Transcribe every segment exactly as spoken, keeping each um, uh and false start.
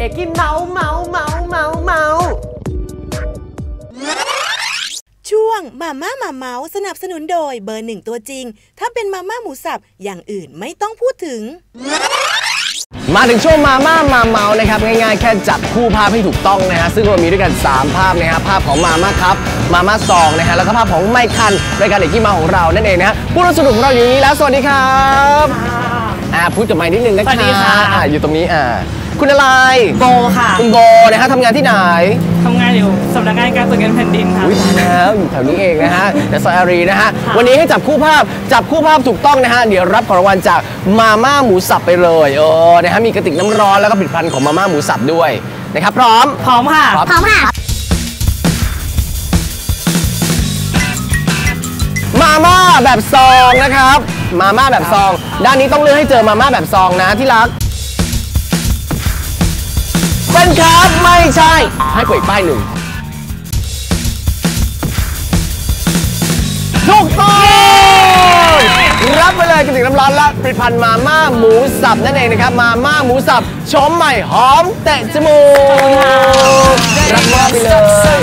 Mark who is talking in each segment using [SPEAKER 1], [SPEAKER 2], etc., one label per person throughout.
[SPEAKER 1] อกกี้เมาเมาเมาเมาเมา
[SPEAKER 2] ช่วงมาม่ามาเมาสนับสนุนโดยเบอร์หนึ่งตัวจริงถ้าเป็นมาม่าหมูสับอย่างอื่นไม่ต้องพูดถึง
[SPEAKER 1] มาถึงช่วงมาม่ามาเมานะครับง่ายๆแค่จับคู่ภาพให้ถูกต้องนะฮะซึ่งเรามีด้วยกันสามภาพนะฮะภาพของมาม่าครับมาม่าซองนะฮะแล้วก็ภาพของไมคันรายการเอกกี้เมาของเรานั่นเองนะฮะผู้ร่วมสนุกของเราอยู่นี้แล้วสวัสดีครับอ่าพูดกับไมค์นิดนึงนะคะสวัสดีค่ะอ่าอยู่ตรงนี้อ่าคุณอะไร
[SPEAKER 3] โบค่ะ
[SPEAKER 1] คุณโบนะฮะทำงานที่ไหน
[SPEAKER 3] ทำงานอยู่สำนักงานการตรวจเงินแผ่นดินค่ะ
[SPEAKER 1] อุ้ยตายแล้วอยู่แถวนี้เองนะฮะแต่ซอยอารีนะฮะวันนี้ให้จับคู่ภาพจับคู่ภาพถูกต้องนะฮะเดี๋ยวรับของรางวัลจากมาม่าหมูสับไปเลยเออนะฮะมีกระติกน้ำร้อนแล้วก็ผลิตภัณฑ์ของมาม่าหมูสับด้วยนะครับพร้อม
[SPEAKER 3] พร้อมค่ะ
[SPEAKER 2] พร้อมค่ะ
[SPEAKER 1] มาม่าแบบซองนะครับมาม่าแบบซองด้านนี้ต้องเลือกให้เจอมาม่าแบบซองนะที่รักเป็นครับไม่ใช่ให้เปิดป้ายหนึ่งถูกต้องรับไปเลยกระติกน้ำร้อนและผลิตภัณฑ์มาม่าหมูสับนั่นเองนะครับมาม่าหมูสับชมใหม่หอมเตะจมูกรับมอบไปเลย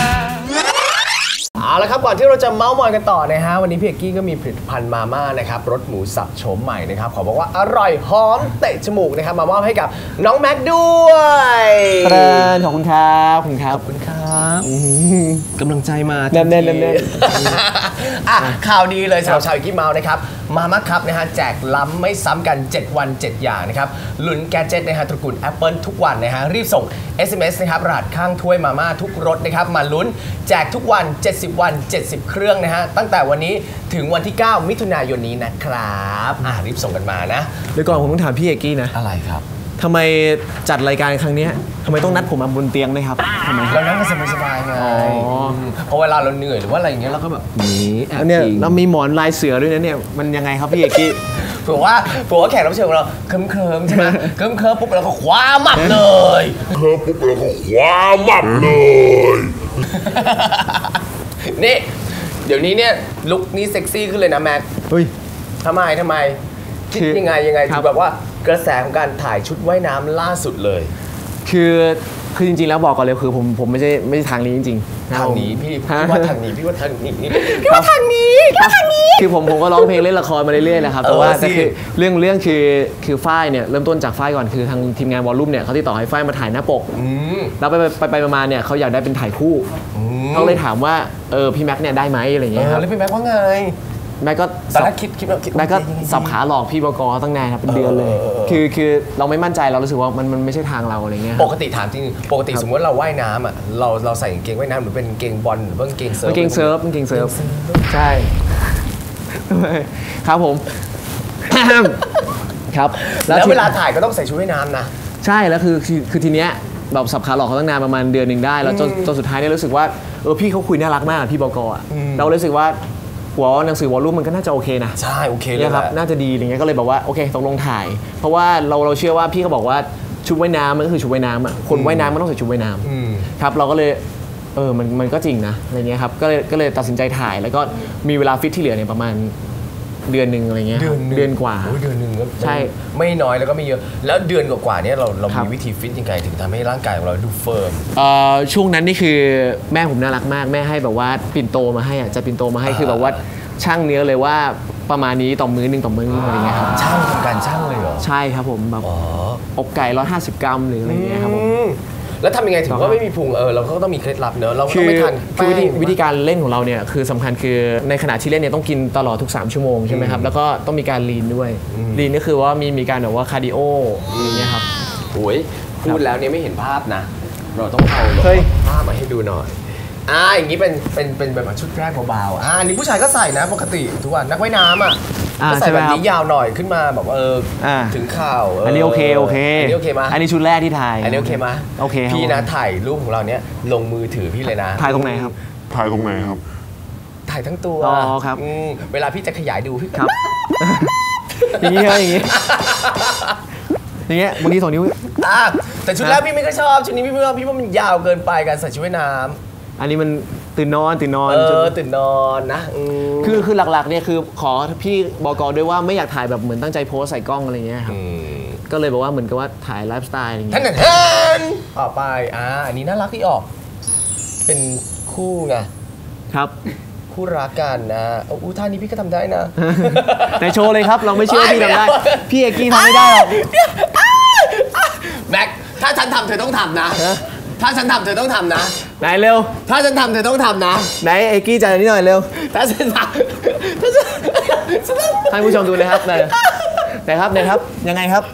[SPEAKER 1] เอาละครับก่อนที่เราจะเมาส์มอยกันต่อนะฮะวันนี้พี่เอกกี้ก็มีผลิตภัณฑ์มาม่านะครับรสหมูสับโฉมใหม่นะครับขอบอกว่าอร่อยหอมเตะจมูกนะครับมามอบให้กับน้องแม็กด้วย
[SPEAKER 4] เปิดขอบคุณครับขอบคุณครับ
[SPEAKER 1] ขอบคุณครับกำลังใจมา
[SPEAKER 4] แน่นแน่นแน่น
[SPEAKER 1] อ่ะข่าวดีเลยสำหรับชาวเอกกี้เมาส์นะครับมาม่าครับนะฮะแจกล้ำไม่ซ้ำกันเจ็ดวันเจ็ดอย่างนะครับลุ้นแกดเจ็ตนะฮะตระกูล Apple ทุกวันนะฮะรีบส่ง เอส เอ็ม เอส นะครับรหัสข้างถ้วยมาม่าทุกรสนะครับมาลุ้นแจกทุกวันเจ็ดสิบวันเจ็ดสิบเครื่องนะฮะตั้งแต่วันนี้ถึงวันที่เก้ามิถุนายนนี้นะครับอ่ะรีบส่งกันมานะ
[SPEAKER 4] เดี๋ยวก่อนผมต้องถามพี่เอกกี้นะ
[SPEAKER 1] อะไรครับ
[SPEAKER 4] ทำไมจัดรายการครั้งนี้ทำไมต้องนัดผมมาบนเตียงด้วยครับทำไม
[SPEAKER 1] เรานั่งกันสบายๆไงเพราะเวลาเราเหนื่อยหรือว่าอะไรอย่างเงี้ยเราก็แบบนี้
[SPEAKER 4] เนี่ยเรามีหมอนลายเสือด้วยนะเนี่ยมันยังไงครับพี่เอกกี้
[SPEAKER 1] เผื่อว่าเผื่อว่าแขกรับเชิญของเราเคลิ้มเคลิ้มใช่ไหมเคลิ้มเคลิ้มปุ๊บเราก็คว้ามับเลยเคลิ้มปุ๊บเราก็คว้ามับเลยนี่เดี๋ยวนี้เนี่ยลุคนี้เซ็กซี่ขึ้นเลยนะแม็ก
[SPEAKER 4] เฮ้ย
[SPEAKER 1] ทำไมทำไมคิดยังไงยังไงถึงแบบว่ากระแสของการถ่ายชุดว่ายน้ำล่าสุดเลย
[SPEAKER 4] คือคือจริงๆแล้วบอกก่อนเลยคือผมผมไม่ใช่ไม่ใช่ทางนี้จริง
[SPEAKER 1] ๆทางนี้พี่พี่ว่าทางนี้พี่ว่าทางนี้พี่ว่าทางนี้พี่ว่าทางนี้
[SPEAKER 4] คือผมผมก็ร้องเพลงเล่นละครมาเรื่อยๆนะครับแต่ว่าแต่คือเรื่องเรื่องคือคือฝ้ายเนี่ยเริ่มต้นจากฝ้ายก่อนคือทางทีมงานวอลลุ่มเนี่ยเขาติดต่อให้ฝ้ายมาถ่ายหน้าปกแล้วไปไปไปมาเนี่ยเขาอยากได้เป็นถ่ายคู่เขาเลยถามว่าเออพี่แม็กเนี่ยได้ไหมอะไรอย่างเงี้ยครับ
[SPEAKER 1] แล้วพี่แม็กว่าไง
[SPEAKER 4] แม่ก็
[SPEAKER 1] ตอนแรกคิดคิด
[SPEAKER 4] แม่ก็สับขาหลอกพี่บก.ตั้งนานครับเป็นเดือนเลยคือคือเราไม่มั่นใจเรารู้สึกว่ามันมันไม่ใช่ทางเราอะไรเงี้ย
[SPEAKER 1] ปกติถามจริงปกติสมมติเราว่ายน้ำอ่ะเราเราใส่กางเกงว่ายน้ำหรือเป็นกางเกงบอลหรือเป็นกางเกงเซิร์ฟ
[SPEAKER 4] กางเกงเซิร์ฟกางเกงเซิร์ฟใช่ครับผมครับ
[SPEAKER 1] แล้วเวลาถ่ายก็ต้องใส่ชุดว่ายน้ำนะ
[SPEAKER 4] ใช่แล้วคือคือทีเนี้ยแบบสับขาหลอกเขาตั้งนานประมาณเดือนหนึ่งได้แล้วจนจนสุดท้ายเนี่ยรู้สึกว่าเออพี่เขาคุยน่ารักมากพี่บก.อ่ะเรารู้สึกว่าหัวหนังสือวอลลุ่มมันก็น่าจะโอเคนะ
[SPEAKER 1] ใช่โอเคเลย
[SPEAKER 4] ครับน่าจะดีอย่างเงี้ยก็เลยบอกว่าโอเคตกลงถ่ายเพราะว่าเราเราเชื่อว่าพี่เขาบอกว่าชุดว่ายน้ำมันก็คือชุดว่ายน้ำอ่ะคนว่ายน้ำมันต้องใส่ชุดว่ายน้ำครับเราก็เลยเออมันมันก็จริงนะอะไรเงี้ยครับก็เลยก็เลยตัดสินใจถ่ายแล้วก็มีเวลาฟิตที่เหลือเนี่ยประมาณเดือนหนึ่งอะไรเงี้ยเดือนกว่า
[SPEAKER 1] เดือนหนึ่งก็
[SPEAKER 4] ใช่
[SPEAKER 1] ไม่น้อยแล้วก็ไม่เยอะแล้วเดือนกว่าๆนี้เราเรามีวิธีฟิตยังไงถึงทำให้ร่างกายของเราดูเฟิร์ม
[SPEAKER 4] ช่วงนั้นนี่คือแม่ผมน่ารักมากแม่ให้แบบว่าปิ่นโตมาให้อ่ะจะปิ่นโตมาให้คือแบบว่าช่างเนื้อเลยว่าประมาณนี้ต่อมื้อหนึ่งต่อมื้ออะไรเงี้ยครับ
[SPEAKER 1] ช่างทำการช่างเลยเหรอ
[SPEAKER 4] ใช่ครับผมแบบอกไก่ร้อยห้าสิบกรัมหรืออะไรเงี้ยครับผม
[SPEAKER 1] แล้วทำยังไงถึงว่าไม่มีพุงเออเราก็ต้องมีเคล็ดลับเนอะเราต้องไม่ทาน
[SPEAKER 4] คือวิธีการเล่นของเราเนี่ยคือสำคัญคือในขณะที่เล่นเนี่ยต้องกินตลอดทุกสามชั่วโมงใช่ไหมครับแล้วก็ต้องมีการลีนด้วยลีนก็คือว่ามีมีการแบบว่าคาร์ดิโออย่างเงี้ยครับ
[SPEAKER 1] โอ้ยพูดแล้วเนี่ยไม่เห็นภาพนะเราต้องเอาภาพมาให้ดูหน่อยอ่าอย่างนี้เป็นเป็นเป็นแบบชุดแรกเบาๆอ่านี่ผู้ชายก็ใส่นะปกติทุกวันนักว่ายน้ำอ่ะก็ใส่แบบนี้ยาวหน่อยขึ้นมาแบบเออถึงเข่า
[SPEAKER 4] อันนี้โอเคโอเค
[SPEAKER 1] อันนี้โอเคมา
[SPEAKER 4] อันนี้ชุดแรกที่ถ่าย
[SPEAKER 1] อันนี้โอเคมา
[SPEAKER 4] โอเค
[SPEAKER 1] พี่นะถ่ายรูปของเราเนี้ยลงมือถือพี่เลยนะ
[SPEAKER 4] ถ่ายตรงไหนครับ
[SPEAKER 5] ถ่ายตรงไหนครับ
[SPEAKER 1] ถ่ายทั้งตัว
[SPEAKER 4] อ๋อครับ
[SPEAKER 1] เวลาพี่จะขยายดูพี่
[SPEAKER 4] ครับอย่างนี้ครับอย่างนี้อย่างเงี้ยบางทีสองนิ้ว
[SPEAKER 1] แต่ชุดแรกพี่ไม่ค่อยชอบชุดนี้พี่ว่าพี่ว่ามันยาวเกินไปการใส่ชุดว่ายน้ำ
[SPEAKER 4] อันนี้มันตื่นนอนตื่นนอน
[SPEAKER 1] เออตื่นนอนนะ
[SPEAKER 4] คือคือหลักๆเนี่ยคือขอพี่บก.ด้วยว่าไม่อยากถ่ายแบบเหมือนตั้งใจโพสใส่กล้องอะไรเงี้ยครับก็เลยบอกว่าเหมือนกับว่าถ่ายไลฟ์สไตล์อะไรอย่าง
[SPEAKER 1] ท่า
[SPEAKER 4] เงี้
[SPEAKER 1] น
[SPEAKER 4] ย
[SPEAKER 1] ท่านต่อไปอ่าอันนี้น่ารักที่ออก เป็นคู่ไง
[SPEAKER 4] ครับ
[SPEAKER 1] คู่รักกันนะอู้ท่านี้พี่ก็ทำได้นะ
[SPEAKER 4] แต่โชว์เลยครับเราไม่เชื่อว่าพี่ทำได้พี่เอกกี้ทำไม่ได้หรอก
[SPEAKER 1] แม็กถ้าฉันทำเธอต้องทำนะ ถ้าฉันทำเธอต้องทำนะ
[SPEAKER 4] ไหนเร็ว
[SPEAKER 1] ถ้าฉันทำเธอต้องทำนะ
[SPEAKER 4] ไหนเอกกี้จ่ายนิดหน่อยเร็ว
[SPEAKER 1] ถ้าฉันทำถ้าฉันฉันทำ
[SPEAKER 4] ให้ผู้ชมดูเลยครับไหนไหนครับไหนครับยังไงครับ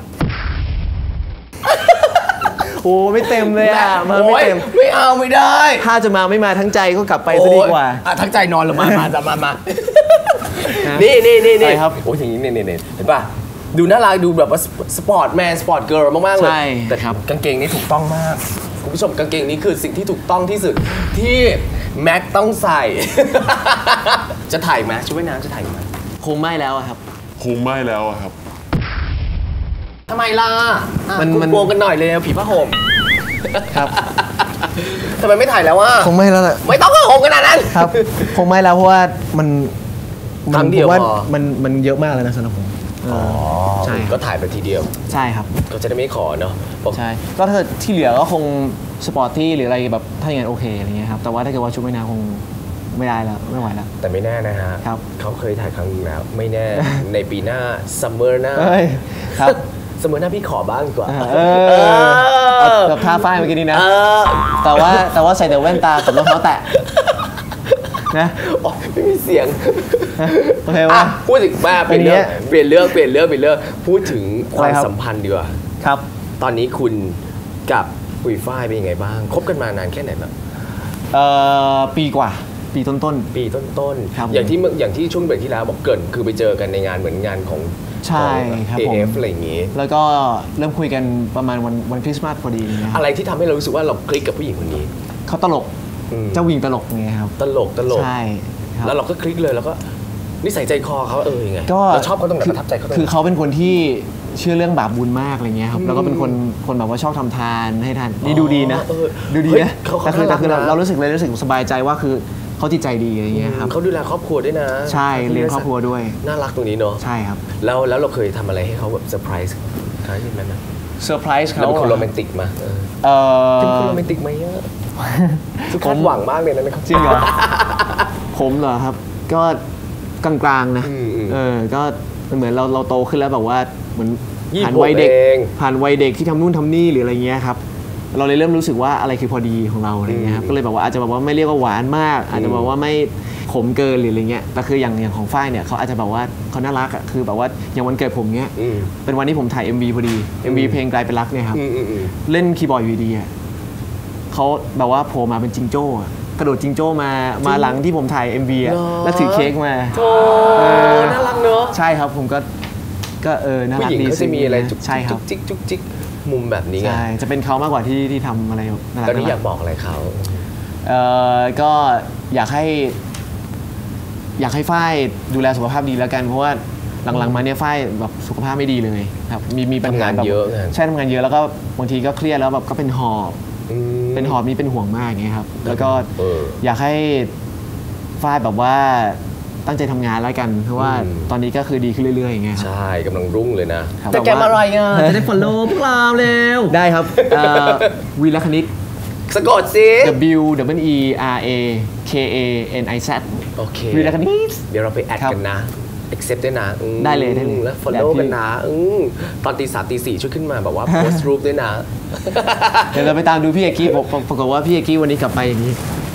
[SPEAKER 4] โอ้ไม่เต็มเลยอ่ะมาไม่เต็ม
[SPEAKER 1] โอ๊ยไม่เอาไม่ได้
[SPEAKER 4] ถ้าจะมาไม่มาทั้งใจก็กลับไปซะดีกว่า
[SPEAKER 1] โอ๊ยอ่ะทั้งใจนอนลงมามาจะมามานี่นี่นี่นี่
[SPEAKER 4] อะไรครับ
[SPEAKER 1] โอ้ยอย่างนี้นี่นี่นี่เห็นป่ะดูน่ารักดูแบบว่าสปอร์ตแมนสปอร์ตเกิร์ลมากๆเลย
[SPEAKER 4] ใช่
[SPEAKER 1] แต่
[SPEAKER 4] ครับ
[SPEAKER 1] กางเกงนี้ถูกต้องมากคุณผู้ชมกางเกงนี้คือสิ่งที่ถูกต้องที่สุดที่แม็กต้องใส่ จะถ่ายไหมชุดว่ายน้ำจะถ่ายไหม
[SPEAKER 4] คงไม่แล้วอะครับ
[SPEAKER 5] คงไม่แล้วอะครับ
[SPEAKER 1] ทำไมล่ะอ่ะ
[SPEAKER 4] มัน
[SPEAKER 1] คุณ
[SPEAKER 4] มัน
[SPEAKER 1] โกงกันหน่อยเลยผีผ้าห่ม
[SPEAKER 4] ครับ
[SPEAKER 1] ทำไมไม่ถ่ายแล้วว่า
[SPEAKER 4] คงไม่แล้วแหละ
[SPEAKER 1] ไม่ต้องผ้าห่มขนาดนั้น
[SPEAKER 4] ครับคงไม่แล้วเพราะว่ามัน
[SPEAKER 1] ครั้งเดียว
[SPEAKER 4] ผมว่า
[SPEAKER 1] พอ
[SPEAKER 4] มันมันเยอะมากแล้วนะสำหรับผมเออใช่
[SPEAKER 1] ก็ถ่ายไปทีเดียว
[SPEAKER 4] ใช่ครับ
[SPEAKER 1] ก็จะได้ไม่ขอเนาะบอก
[SPEAKER 4] ใช่ก็ถ้าที่เหลือก็คงสปอร์ตที่หรืออะไรแบบถ้าอย่างนั้นโอเคอะไรเงี้ยครับแต่ว่าถ้าเกิดว่าชุดว่ายน้ำคงไม่ได้แล้วไม่ไหวแล้ว
[SPEAKER 1] แต่ไม่แน่นะฮะ
[SPEAKER 4] ครับ
[SPEAKER 1] เขาเคยถ่ายครั้งนึงแล้ว ไม่แน่ ในปีหน้าซัมเมอร์หน้า
[SPEAKER 4] เอ้ยครับ
[SPEAKER 1] ซัมเมอร์หน้าพี่ขอบ้างดีกว่า
[SPEAKER 4] เออเอาแบบท่าฝ้ายเมื่อกี้นี้นะ
[SPEAKER 1] เออ
[SPEAKER 4] แต่ว่าแต่ว่าใส่แต่แว่นตากับรองเท้าแตะนะ
[SPEAKER 1] โอ๊ยไม่มีเสียง
[SPEAKER 4] โอเคว่า
[SPEAKER 1] อ่ะพูดถึงมาเปลี่ยนเรื่อง
[SPEAKER 4] อันเนี้ย
[SPEAKER 1] เปลี่ยนเรื่องเปลี่ยนเรื่องเปลี่ยนเรื่องพูดถึงความ
[SPEAKER 4] อะไรครับ
[SPEAKER 1] สัมพันธ์ดีกว่า
[SPEAKER 4] ครับ
[SPEAKER 1] ตอนนี้คุณกับปุยฝ้ายเป็นยังไงบ้างคบกันมานานแค่ไหนแล้ว
[SPEAKER 4] เอ่อปีกว่าปีต้น
[SPEAKER 1] ปีต้น
[SPEAKER 4] ครับ
[SPEAKER 1] ๆอย่างที่เมื่ออย่างที่ช่วงเบรกที่แล้วบอกเกรินคือไปเจอกันในงานเหมือนงานของ
[SPEAKER 4] ใช่ครับ
[SPEAKER 1] เอ
[SPEAKER 4] ผม
[SPEAKER 1] เอฟอะไรอย่างงี้
[SPEAKER 4] ๆ แล้วก็เริ่มคุยกันประมาณวันวันคริสต์มาสพอดีนะครับ
[SPEAKER 1] อะไรที่ทำให้เรารู้สึกว่าเราคลิกกับผู้หญิงคนนี้
[SPEAKER 4] เขาตลก
[SPEAKER 1] อืม
[SPEAKER 4] เจ้าวิงตลกไงครับ
[SPEAKER 1] ตลกตลก
[SPEAKER 4] ใช่ครับ
[SPEAKER 1] แล้วเราก็คลิกเลยแล้วก็นิสัยใจคอเขาเออยังไง
[SPEAKER 4] ก็
[SPEAKER 1] เราชอบเขาตรงไหน
[SPEAKER 4] คื
[SPEAKER 1] ประทับใจเขาตรง
[SPEAKER 4] คือ
[SPEAKER 1] ไหน
[SPEAKER 4] เขาเป็นคนที่เชื่อเรื่องบาปบุญมากอะไรเงี้ยครับ แล้วก็เป็นคนคนแบบว่าชอบทำทานให้ทานนี่ดูดีนะ
[SPEAKER 1] เออ
[SPEAKER 4] ดูดี
[SPEAKER 1] เฮ้ย
[SPEAKER 4] นะ
[SPEAKER 1] เขา
[SPEAKER 4] แต่คือ
[SPEAKER 1] เขา
[SPEAKER 4] แต่คือเรา
[SPEAKER 1] น่ารักนะ
[SPEAKER 4] เรารู้สึกเลยรู้สึกสบายใจว่าคือเขาจิตใจดีอะไรเงี้ยครับ
[SPEAKER 1] เขาดูแลครอบครัวด้วยนะ
[SPEAKER 4] ใช่เลี้ยงครอบครัวด้วย
[SPEAKER 1] น่ารักตรงนี้เนาะ
[SPEAKER 4] ใช่ครับ
[SPEAKER 1] แล้วแล้วเราเคยทำอะไรให้เขาแบบเซอร์ไพรส์ครั้งนี้ไหมนะ
[SPEAKER 4] เซอร์ไพรส์
[SPEAKER 1] เรา
[SPEAKER 4] เขา
[SPEAKER 1] เป็นคนโรแมนติกมาเออ
[SPEAKER 4] เออ
[SPEAKER 1] เป็นคนโรแมนติกไหมอะคือคาดหวังมากเลยนะครับ
[SPEAKER 4] จริงเหรอ ผมเหรอครับ ก็กลางๆนะ
[SPEAKER 1] อืมอืม
[SPEAKER 4] เออก็เหมือนเราเราโตขึ้นแล้วแบบว่าเหมือน
[SPEAKER 1] ยี่สิบ
[SPEAKER 4] ผ่านวัยเด็ก
[SPEAKER 1] เอง
[SPEAKER 4] ผ่านวัยเด็กที่ทำนู่นทำนี่หรืออะไรเงี้ยครับเราเลยเริ่มรู้สึกว่าอะไรคือพอดีของเราอะไรเงี้ยครับก็เลยแบบว่าอาจจะแบบว่าไม่เรียกว่าหวานมาก อาจจะแบบว่าไม่ขมเกินหรืออะไรเงี้ยแต่คืออย่างอย่างของฝ้ายเนี่ยเขาอาจจะแบบว่าเขาน่ารักอ่ะคือแบบว่าอย่างวันเกิดผมเงี้ย
[SPEAKER 1] อืม
[SPEAKER 4] เป็นวันที่ผมถ่าย เอ็ม วี พอดี เอ็ม วี เพลงกลายเป็นรักเนี่ยครับ
[SPEAKER 1] อืมอืมอืม
[SPEAKER 4] เล่นคีย์บอร์ดอยู่ดีๆอ่ะเขาแบบว่าโผล่มาเป็นจิงโจ้อะกระโดดจิงโจ้มามาหลังที่ผมถ่าย เอ็ม วี อ่ะ
[SPEAKER 1] เหรอ
[SPEAKER 4] แล้วถือเค้กมา
[SPEAKER 1] โอ้น่ารักเนอะ
[SPEAKER 4] ใช่ครับผมก็ก็เออน่า
[SPEAKER 1] ผู้
[SPEAKER 4] รัก
[SPEAKER 1] หญิง
[SPEAKER 4] ดี
[SPEAKER 1] เขาจะมีอะไรจุก
[SPEAKER 4] ใช่ค
[SPEAKER 1] จิ
[SPEAKER 4] รั
[SPEAKER 1] ก
[SPEAKER 4] บ
[SPEAKER 1] จุกจิกจุกจิกมุมแบบนี้ไง
[SPEAKER 4] ใช่จะเป็นเขามากกว่าที่ที่ทำอะไรน่ารัก
[SPEAKER 1] ตอนนี้
[SPEAKER 4] น่า
[SPEAKER 1] อ
[SPEAKER 4] รั
[SPEAKER 1] ยากบอกอะไรเขา
[SPEAKER 4] เอ่อก็อยากให้ อยากให้ฝ้ายดูแลสุขภาพดีแล้วกันเพราะว่าหลังๆมาเนี่ยฝ้ายแบบสุขภาพไม่ดีเลยครับมีมีปัญหา
[SPEAKER 1] ทำงาน
[SPEAKER 4] แบบ
[SPEAKER 1] เยอะไง
[SPEAKER 4] ใช่ทำงานเยอะแล้วก็บางทีก็เครียดแล้วแบบก็เป็นหอบ
[SPEAKER 1] อืม
[SPEAKER 4] เป็นหอบนี่เป็นห่วงมากอย่างเงี้ยครับแล้วก็
[SPEAKER 1] เออ
[SPEAKER 4] อยากให้ฝ้ายแบบว่าตั้งใจทำงานแล้วกัน เพราะว่า
[SPEAKER 1] อืม
[SPEAKER 4] ตอนนี้ก็คือดีขึ้นเรื่อยๆอย่างเงี้ยครับ
[SPEAKER 1] ใช่กำลังรุ่งเลยนะ
[SPEAKER 4] ครับ
[SPEAKER 1] แต่แกมาอะไรอ่ะ
[SPEAKER 4] จะได้ follow พวกเราเร็วได้ครับเอ่อวีรคณิต
[SPEAKER 1] สะกดสิ
[SPEAKER 4] W W E R A K A N I Z
[SPEAKER 1] โอเค
[SPEAKER 4] วีรคณิต
[SPEAKER 1] เดี๋ยวเราไปแอด
[SPEAKER 4] ครับ
[SPEAKER 1] กันนะ accept ด้วยนะอืม
[SPEAKER 4] ได้เลยได้เลย
[SPEAKER 1] แล้ว follow
[SPEAKER 4] แบบที่
[SPEAKER 1] กันนะอืมตอนตีสามตีสี่ช่วยขึ้นมาแบบว่า post รูปด้วยนะ
[SPEAKER 4] เดี๋ยวเราไปตามดูพี่เอกกี้ผมผมปรากฏว่าพี่เอกกี้วันนี้กลับไปอย่างนี้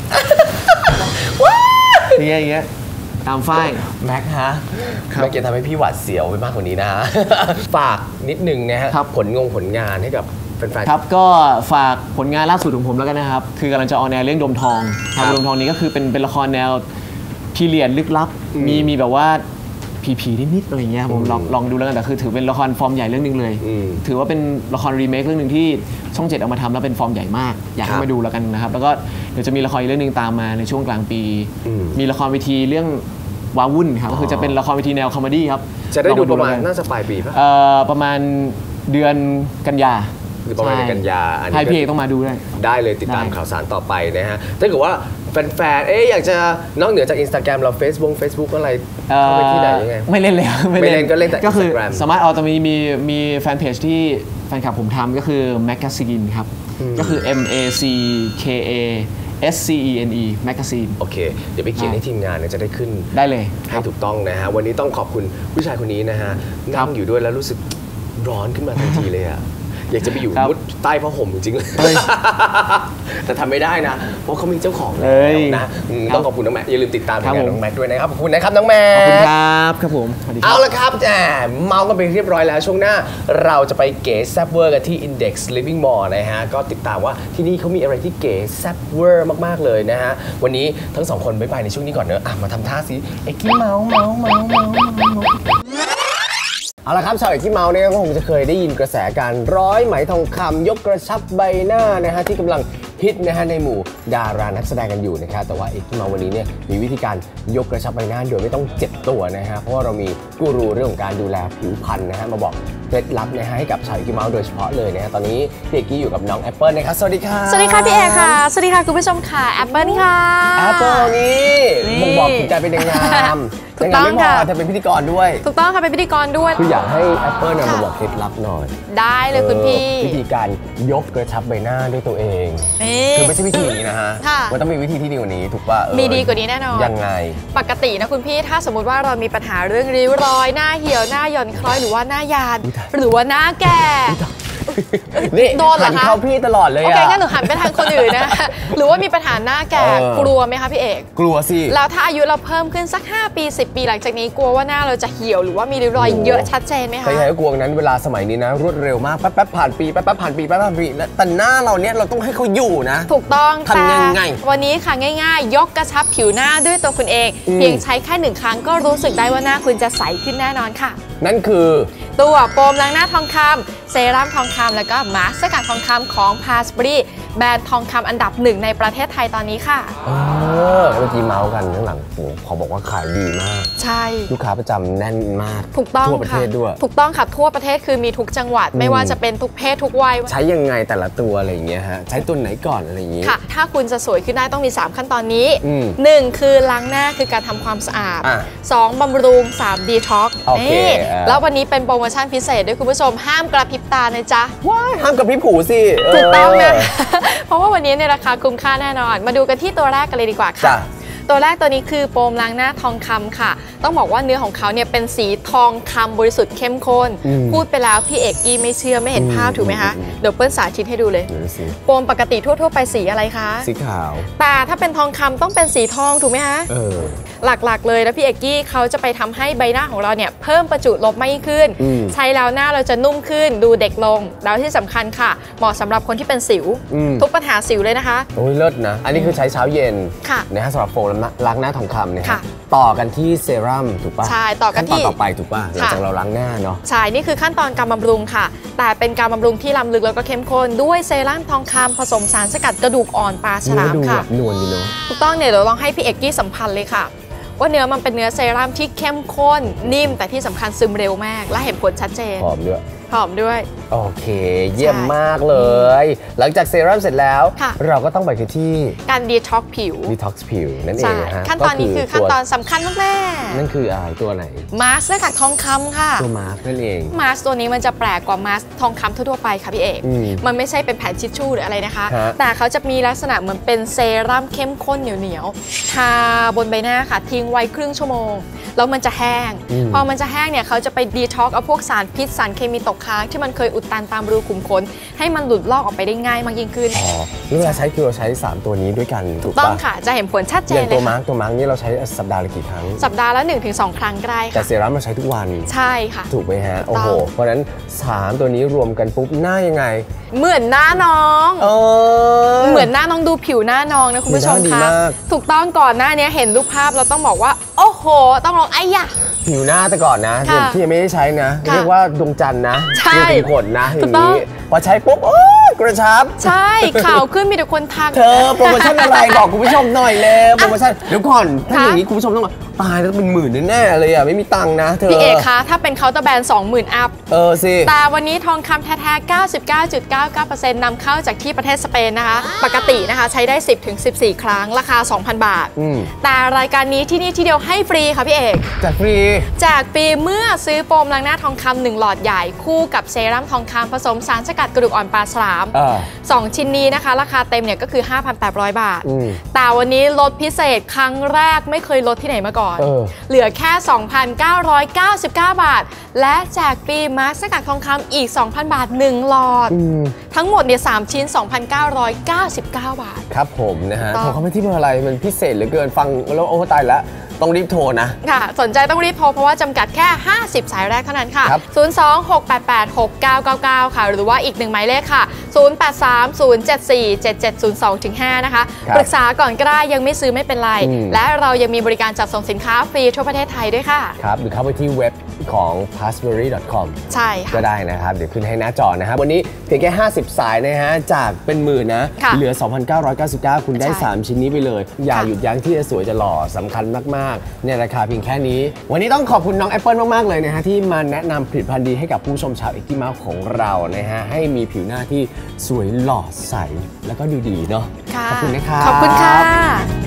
[SPEAKER 4] อย่างเงี้ยอย่างเงี้ยตามฝ้าย
[SPEAKER 1] แม็กฮะ
[SPEAKER 4] ครับ
[SPEAKER 1] แม็กจะทำให้พี่หวาดเสียวไปมากกว่านี้นะ ฝากนิดนึงนะฮะ
[SPEAKER 4] ครับ
[SPEAKER 1] ผลงงผลงานให้กับแฟนๆ
[SPEAKER 4] ครับก็ฝากผลงานล่าสุดของผมแล้วกันนะครับ คือกำลังจะออนแอร์เรื่องดมทองค
[SPEAKER 1] ครั
[SPEAKER 4] รับบ ดมทองนี้ก็คือเป็นเป็นละครแนวพีเรียดลึกลับ มีมีแบบว่าผีผีนิดๆอะไรเงี้ยครับผมลองลองดูแล้วกันแต่คือถือเป็นละครฟอร์มใหญ่เรื่องหนึงเลย
[SPEAKER 1] อืม
[SPEAKER 4] ถือว่าเป็นละครรีเมคเรื่องหนึ่งที่ช่องเจ็ดเอามาทำแล้วเป็นฟอร์มใหญ่มาก อยาก
[SPEAKER 1] ครั
[SPEAKER 4] ให้
[SPEAKER 1] บ
[SPEAKER 4] มาดูแล้วกันนะครับแล้วก็เดี๋ยวจะมีละครอีกเรื่องหนึงตามมาในช่วงกลางปี
[SPEAKER 1] อืม
[SPEAKER 4] มีละครเวทีเรื่องวาวุ่นครับก็คือจะเป็นละครเวทีแนวคอมเมดี้ครับ
[SPEAKER 1] จะได้
[SPEAKER 4] ลอง
[SPEAKER 1] ดู
[SPEAKER 4] ไป
[SPEAKER 1] ประมาณ
[SPEAKER 4] แล้วกัน
[SPEAKER 1] น่าจะปลายปีป่ะ
[SPEAKER 4] เอ่อประมาณเดือนกันยา
[SPEAKER 1] หรือประมาณ
[SPEAKER 4] ใช่
[SPEAKER 1] กันยาอันนี้
[SPEAKER 4] ให้
[SPEAKER 1] ก็
[SPEAKER 4] พี่เอกต้องมาดูด้วย
[SPEAKER 1] ได้เลยติดตาม
[SPEAKER 4] ได้
[SPEAKER 1] ข่าวสารต่อไปนะฮะถ้าเกิดว่าแฟนๆเอ๊ะอยากจะนอกเหนือจาก Instagram เรา Facebook Facebook อะไร
[SPEAKER 4] เอ่อ
[SPEAKER 1] เข้าไปที่ไหนยังไง
[SPEAKER 4] ไม่เล่นเลย
[SPEAKER 1] ไม่เล่นก็เล่นแต่
[SPEAKER 4] ก็คือ
[SPEAKER 1] Instagram
[SPEAKER 4] สามารถเอาจะมีมีมีแฟนเพจที่แฟนคลับผมทำก็คือ Magazine ครับ ก็คือ M A C K A S C E N E Magazine
[SPEAKER 1] โอเค เดี๋ยวไปเขียนให้ทีมงานเนี่ยจะได้ขึ้น
[SPEAKER 4] ได้เลยค
[SPEAKER 1] ให้
[SPEAKER 4] รับ
[SPEAKER 1] ถูกต้องนะฮะ วันนี้ต้องขอบคุณผู้ชายคนนี้นะฮะ นั่งอยู่ด้วยแล้วรู้สึกร้อนขึ้นมาทันทีเลยอ่ะ อยากจะไปอยู่
[SPEAKER 4] ครับ
[SPEAKER 1] มุดใต้ผ้าห่มจริงๆเลย
[SPEAKER 4] เฮ้ย
[SPEAKER 1] แต่ทำไม่ได้นะ เพราะเขามีเจ้าของ
[SPEAKER 4] เฮ้
[SPEAKER 1] แล้ว
[SPEAKER 4] ย
[SPEAKER 1] นะอืม
[SPEAKER 4] ครับ
[SPEAKER 1] ต้องขอบคุณน้องแม็กอย่าลืมติดตามผล
[SPEAKER 4] ครับ
[SPEAKER 1] งาน
[SPEAKER 4] ผม
[SPEAKER 1] น้องแม็กด้วยนะครับ ขอบคุณนะครับน้องแม็
[SPEAKER 4] ขอบคุณ
[SPEAKER 1] ก
[SPEAKER 4] ครับครับผมสวัสดีค
[SPEAKER 1] เอา
[SPEAKER 4] รับ
[SPEAKER 1] ละครับแหมเมากันไปเรียบร้อยแล้วช่วงหน้าเราจะไปเก๋แซ่บเวอร์กันที่ Index Living Mall นะฮะ ก็ติดตามว่าที่นี่เขามีอะไรที่เก๋แซ่บเวอร์มากๆเลยนะฮะ วันนี้ทั้งสองคนบ๊ายบายในช่วงนี้ก่อนเนอะอ่ะมาทำท่าสิเอ็กกี้เมาเมาเมาเมาเมาเมาเอาละครับชาวเอกที่เมาเนี่ยก็คงจะเคยได้ยินกระแสการร้อยไหมทองคำยกกระชับใบหน้านะฮะที่กำลังฮิตนะฮะในหมู่ดารานักแสดงกันอยู่นะครับแต่ว่าเอกที่เมาวันนี้เนี่ยมีวิธีการยกกระชับใบหน้าโดยไม่ต้องเจ็บตัวนะฮะเพราะว่าเรามีกูรูเรื่องของการดูแลผิวพรรณนะฮะมาบอกเคล็ดลับนะฮะให้กับชาวเอกที่เมาโดยเฉพาะเลยนะฮะตอนนี้พี่เอกกี้อยู่กับน้องแอปเปิลนะครับสวัสดีค่ะ
[SPEAKER 5] สวัสดีค่ะพี่เอกค่ะ สวัสดีค่ะคุณผู้ชมค่ะแอปเปิลค่ะ
[SPEAKER 1] แอปเปิลนี่บ่งบอกถึงการเป็นนางงาม
[SPEAKER 5] ถู
[SPEAKER 1] นาก ง
[SPEAKER 5] ต้
[SPEAKER 1] งาม
[SPEAKER 5] อง
[SPEAKER 1] ไม่พอ
[SPEAKER 5] ค่ะ
[SPEAKER 1] เธอเป็นพิธีกรด้วย
[SPEAKER 5] ถูกต้องค่ะเป็นพิธีกรด้วย
[SPEAKER 1] คืออยากให้แอปเปิลเนี่ยมาบอกเคล็ดลับหน่อย
[SPEAKER 5] ได้เลยคุณพี่
[SPEAKER 1] เออวิธีการยกกระชับใบหน้าด้วยตัวเอง
[SPEAKER 5] นี่
[SPEAKER 1] คือไม่ใช่วิธีนี้นะฮะ
[SPEAKER 5] ค่ะ
[SPEAKER 1] มันต้องมีวิธีที่ดีกว่านี้ถูกป่ะเออ
[SPEAKER 5] มีดีกว่านี้แน่นอน
[SPEAKER 1] ยังไง
[SPEAKER 5] ปกตินะคุณพี่ถ้าสมมติว่าเรามีปัญหาเรื่องริ้วรอยหน้าเหี่ยวหน้าหย่อนคล้อยหรือว่าหน้ายาน หรือว่าหน้าแก่
[SPEAKER 1] นี่
[SPEAKER 5] โดนเหรอ
[SPEAKER 1] หัน
[SPEAKER 5] คะ
[SPEAKER 1] เข้าพี่ตลอดเลย
[SPEAKER 5] โอ
[SPEAKER 1] อะ
[SPEAKER 5] เคงั้นหนูหันไปทางคนอื่นนะ หรือว่ามีปัญหาหน้าแก่
[SPEAKER 1] เออ
[SPEAKER 5] กลัวไหมคะพี่เอก
[SPEAKER 1] กลัวสิ
[SPEAKER 5] แล้วถ้าอายุเราเพิ่มขึ้นสักห้าปีสิบปีหลังจากนี้กลัวว่าหน้าเราจะเหี่ยวหรือว่ามีริ้วรอยเยอะชัดเจนไหม
[SPEAKER 1] ใคร
[SPEAKER 5] คะ
[SPEAKER 1] ๆก็กลัวนั้นเวลาสมัยนี้นะ รวดเร็วมากแป๊บๆผ่านปีแป๊บๆผ่านปีแป๊บๆผ่านปีแล้วแต่หน้าเราเนี่ยเราต้องให้เขาอยู่นะ
[SPEAKER 5] ถูกต้อง
[SPEAKER 1] ทำยังไง
[SPEAKER 5] แต่วันนี้ค่ะง่ายๆ ยกกระชับผิวหน้าด้วยตัวคุณเอง
[SPEAKER 1] อืม
[SPEAKER 5] เพียงใช้แค่หนึ่งครั้งก็รู้สึกได้ว่าหน้าคุณจะใสขึ้นแน่นอนค่ะ
[SPEAKER 1] นั่นคือ
[SPEAKER 5] ตัวโฟมล้างหน้าทองคำเซรั่มทองคำแล้วก็มาสก์สกัดทองคำของ พาสบรี แบรนด์ทองคำอันดับหนึ่งในประเทศไทยตอนนี้ค่ะ
[SPEAKER 1] เออเมื่อกี้เมาส์กันข้างหลังโอ้โหขอบอกว่าขายดีมาก
[SPEAKER 5] ใช่
[SPEAKER 1] ลูกค้าประจำแน่นมาก
[SPEAKER 5] ถูกต้อง
[SPEAKER 1] ทั่วประเท
[SPEAKER 5] ค่ะ
[SPEAKER 1] ศด้วย
[SPEAKER 5] ถูกต้องค่ะทั่วประเทศคือมีทุกจังหวัด ไม่ว่าจะเป็นทุกเพศทุกวัย
[SPEAKER 1] ใช้ยังไงแต่ละตัวอะไรอย่างเงี้ยฮะใช้ตัวไหนก่อนอะไรอย่างงี้
[SPEAKER 5] ค่ะ ถ้าคุณจะสวยขึ้นได้ต้องมี สาม ขั้นตอนนี้
[SPEAKER 1] อืม
[SPEAKER 5] หนึ่งคือล้างหน้าคือการทำความสะอาด
[SPEAKER 1] อ่ะ
[SPEAKER 5] สองบำรุง สาม ดีท็อกซ์
[SPEAKER 1] โอเค
[SPEAKER 5] นี่
[SPEAKER 1] อ่ะ
[SPEAKER 5] แล้ววันนี้เป็นโปรโมชั่นพิเศษด้วยคุณผู้ชมห้ามกระพริบตานะจ๊ะ
[SPEAKER 1] ว้ายห้ามกับพี่ผูสิเ
[SPEAKER 5] ถูกต้องนะ เพราะว่าวันนี้ในราคาคุ้มค่าแน่นอน มาดูกันที่ตัวแรกกันเลยดีกว่าค่ะ
[SPEAKER 1] จ้ะ
[SPEAKER 5] ตัวแรกตัวนี้คือโฟมล้างหน้าทองคำค่ะ ต้องบอกว่าเนื้อของเขาเนี่ยเป็นสีทองคำบริสุทธิ์เข้มข้น
[SPEAKER 1] อืม
[SPEAKER 5] พูดไปแล้วพี่เอกกี้ไม่เชื่อไม่เห็นภาพ
[SPEAKER 1] อืม
[SPEAKER 5] ถูกไหมคะ
[SPEAKER 1] อืม
[SPEAKER 5] เดี๋ยวเปิ้ลสาธิตให้ดูเลย
[SPEAKER 1] เดี๋ยวสิ
[SPEAKER 5] โฟมปกติทั่วๆไปสีอะไรคะ
[SPEAKER 1] สีขาว
[SPEAKER 5] แต่ถ้าเป็นทองคำต้องเป็นสีทองถูกไหมคะ
[SPEAKER 1] เออ
[SPEAKER 5] หลักๆเลยแล้วพี่เอกกี้เขาจะไปทำให้ใบหน้าของเราเนี่ยเพิ่มประจุลบมากยิ่งขึ้น
[SPEAKER 1] อืม
[SPEAKER 5] ใช้แล้วหน้าเราจะนุ่มขึ้นดูเด็กลง แล้วที่สำคัญค่ะ เหมาะสำหรับคนที่เป็นสิว
[SPEAKER 1] อืม
[SPEAKER 5] ทุกปัญหาสิวเลยนะคะ
[SPEAKER 1] โอ้ยเลิศนะ อันนี้คือใช้เช้าเย็น
[SPEAKER 5] ค่ะ
[SPEAKER 1] นะฮะสำหรับโฟมล้างหน้าทองคำเนี่ย
[SPEAKER 5] ค่ะ
[SPEAKER 1] ต่อกันที่เซรั่มถูกป่ะ
[SPEAKER 5] ใช่ต่อกันที่
[SPEAKER 1] ขั้ตอนต่อไปถูกป่ะหลังจากเราล้างหน้าเนาะ
[SPEAKER 5] ใช่ นี่คือขั้นตอนการบำรุงค่ะ แต่เป็นการบำรุงที่ล้ำลึกแล้วก็เข้มข้นด้วยเซรั่มทองคำผสมสารสกัดกระดูกอ่อนปลาฉ
[SPEAKER 1] เนื้อ
[SPEAKER 5] ลาม
[SPEAKER 1] ดู
[SPEAKER 5] ค่ะ
[SPEAKER 1] แบบนวลดีเนาะ
[SPEAKER 5] ถูกต้องเนี่ยเดี๋ยวลองให้พี่เอกกี้สัมพันธ์เลยค่ะ ว่าเนื้อมันเป็นเนื้อเซรั่มที่เข้มข้นนิ่มแต่ที่สำคัญซึมเร็วมาก และเห็นผลชัดเจน
[SPEAKER 1] หอมด้วย
[SPEAKER 5] หอมด้วย
[SPEAKER 1] โอเค เยี่ยม
[SPEAKER 5] ใช่
[SPEAKER 1] มากเลย หลังจากเซรั่มเสร็จแล้ว
[SPEAKER 5] ค่ะ
[SPEAKER 1] เราก็ต้องไปที่
[SPEAKER 5] การดีท็อกผิว
[SPEAKER 1] ดีท็อกซ์ผิวนั่นเอ
[SPEAKER 5] ใช่
[SPEAKER 1] งนะฮะ
[SPEAKER 5] ขั้นตอนนี้คือขั้นตอนสำคัญมากแม่
[SPEAKER 1] นั่นคืออะไรตัวไหน
[SPEAKER 5] มาสก์สกัดทองคำค่ะ
[SPEAKER 1] ตัวมาร์กนั่นเอง
[SPEAKER 5] มาสก์ตัวนี้มันจะแปลกกว่ามาสก์ทองคำทั่วๆไปค่ะพี่เอก
[SPEAKER 1] อืม
[SPEAKER 5] มันไม่ใช่เป็นแผ่นทิชชู่หรืออะไรนะคะ
[SPEAKER 1] ฮะ
[SPEAKER 5] แต่เขาจะมีลักษณะเหมือนเป็นเซรั่มเข้มข้นเหนียวๆ ทาบนใบหน้าค่ะ ทิ้งไว้ครึ่งชั่วโมง แล้วมันจะแห้ง พอมันจะแห้งเนี่ยเขาจะไปดีท็อกเอาพวกสารพิษสารเคมีตกค้างที่มันเคยอุดตันตามรูขุมขนให้มันหลุดลอกออกไปได้ง่ายมากยิ่งขึ้น
[SPEAKER 1] อ๋อแล้วเวลาใช้คือเราใช้สามตัวนี้ด้วยกันถูก
[SPEAKER 5] ต้อง
[SPEAKER 1] ปะ
[SPEAKER 5] ค่ะ จะเห็นผลชัดเจ
[SPEAKER 1] อน ย่าง
[SPEAKER 5] เล
[SPEAKER 1] ตั
[SPEAKER 5] ยว
[SPEAKER 1] มา
[SPEAKER 5] ค่ะ
[SPEAKER 1] ร์กตัวมาร์กนี่เราใช้สัปดาห์ละกี่ครั้ง
[SPEAKER 5] สัปดาห์ละ หนึ่งถึงสอง ครั้งก็ได้
[SPEAKER 1] แต่
[SPEAKER 5] ค่ะ
[SPEAKER 1] เซรั่มเราใช้ทุกวัน
[SPEAKER 5] ใช่ค่ะ
[SPEAKER 1] ถูกไหมฮะ โอ้โห
[SPEAKER 5] ต้อง
[SPEAKER 1] เพราะฉะนั้นสามตัวนี้รวมกันปุ๊บหน้ายังไง
[SPEAKER 5] เหมือนหน้าน้อง
[SPEAKER 1] เออ
[SPEAKER 5] เหมือนหน้าน้องดูผิวหน้าน้องนะคุณผู้ชม
[SPEAKER 1] ผิวหน้าดี
[SPEAKER 5] คะ
[SPEAKER 1] มาก
[SPEAKER 5] ถูกต้องก่อนหน้านี้เห็นรูปภาพเราต้องบอกว่า โอ้โห ต้องลองไอ้ยะ
[SPEAKER 1] ผิวหน้าแต่ก่อนนะ
[SPEAKER 5] ค่ะ
[SPEAKER 1] ที่ยังไม่ได้ใช้นะ
[SPEAKER 5] ค่ะ
[SPEAKER 1] เรียกว่าดวงจันทร์นะ
[SPEAKER 5] ใช่
[SPEAKER 1] เรียกเป็นขนนะอ
[SPEAKER 5] ถู
[SPEAKER 1] ย่าก ง
[SPEAKER 5] ต้อง
[SPEAKER 1] นี้พอใช้ปุ๊บโอ้ยกระชับ
[SPEAKER 5] ใช่ข่าวขึ้นมีแต่คนทัก
[SPEAKER 1] เธอโปรโมชั่นอะไร บอกคุณผู้ชมหน่อยเลยโปรโมชั่นเดี๋ยวก่อนถ้าอย่างนี้คุณผู้ชมต้องบอกตายแล้วเป็นหมื่นแน่ๆเลยอ่ะไม่มีตังค์นะเธอ
[SPEAKER 5] พี่เอกคะถ้าเป็นเคาน์เตอร์แบรนด์ สองหมื่น อัพ
[SPEAKER 1] เออสิ
[SPEAKER 5] แต่วันนี้ทองคำแท้ๆ เก้าสิบเก้าจุดเก้าเก้าเปอร์เซ็นต์ นำเข้าจากที่ประเทศสเปนนะคะปกตินะคะใช้ได้ สิบถึงสิบสี่ ครั้งราคา สองพัน บาทแต่รายการนี้ที่นี่ที่เดียวให้ฟรีค่ะพี่เอก
[SPEAKER 1] แจกฟรี
[SPEAKER 5] แจกฟรีเมื่อซื้อโฟมล้างหน้าทองคำหนึ่งหลอดใหญ่คู่กับเซรั่มทองคำผสมสารสกัดกระดูกอ่อนปลาฉลามสองชิ้นนี้นะคะราคาเต็มเนี่ยก็คือ ห้าพันแปดร้อย บาทแต่วันนี้ลดพิเศษครั้งแรกไม่เคยลดที่ไหนมาก่อน เ, เหลือแค่ สองพันเก้าร้อยเก้าสิบเก้า บาทและแจกฟรีมาร์คสกัดทองคำอีก สองพัน บาทหนึ่งหลอดทั้งหมดเนี่ยสามชิ้น สองพันเก้าร้อยเก้าสิบเก้า บาท
[SPEAKER 1] ครับผมนะฮะโทรเข้าไปที่เบอร์อะไรมันพิเศษเหลือเกินฟังแล้วโอ้ตายแล้วต้องรีบโทรนะ
[SPEAKER 5] ค่ะสนใจต้องรีบโทรเพราะว่าจำกัดแค่ห้าสิบสายแรกเท่านั้นค่ะศูนย์ สอง หก แปด แปด หก เก้า เก้า เก้าค่ะหรือว่าอีกหนึ่งหมายเลขค่ะศูนย์ แปด สาม ศูนย์ เจ็ด สี่ เจ็ด เจ็ด ศูนย์ สอง ห้า นะคะปรึกษาก่อนก็ได้ยังไม่ซื้อไม่เป็นไรและเรายังมีบริการจัดส่งสินค้าฟรีทั่วประเทศไทยด้วยค่ะ
[SPEAKER 1] ครับหรือเข้าไปที่เว็บของ พาสเบอรี่ ดอท คอม
[SPEAKER 5] ใช่
[SPEAKER 1] ก็ได้นะครับเดี๋ยวขึ้นให้หน้าจอนะครับวันนี้เพียงแค่ห้าสิบสายนะฮะจากเป็นหมื่นนะเหลือ สองพันเก้าร้อยเก้าสิบเก้า คุณได้สามชิ้นนี้ไปเลยอย่าหยุดยั้งที่จะสวยจะหล่อสำคัญมากๆเนี่ยราคาเพียงแค่นี้วันนี้ต้องขอบคุณน้องแอปเปิลมากๆเลยนะฮะที่มาแนะนำผลิตภัณฑ์ดีให้กับผู้ชมชาวเอ็กซ์ตี้เมาส์ของเรานะฮะให้มีผิวหน้าที่สวยหล่อใสแล้วก็ดูดีเนาะขอบคุณนะครับ
[SPEAKER 5] ขอบคุณค่ะ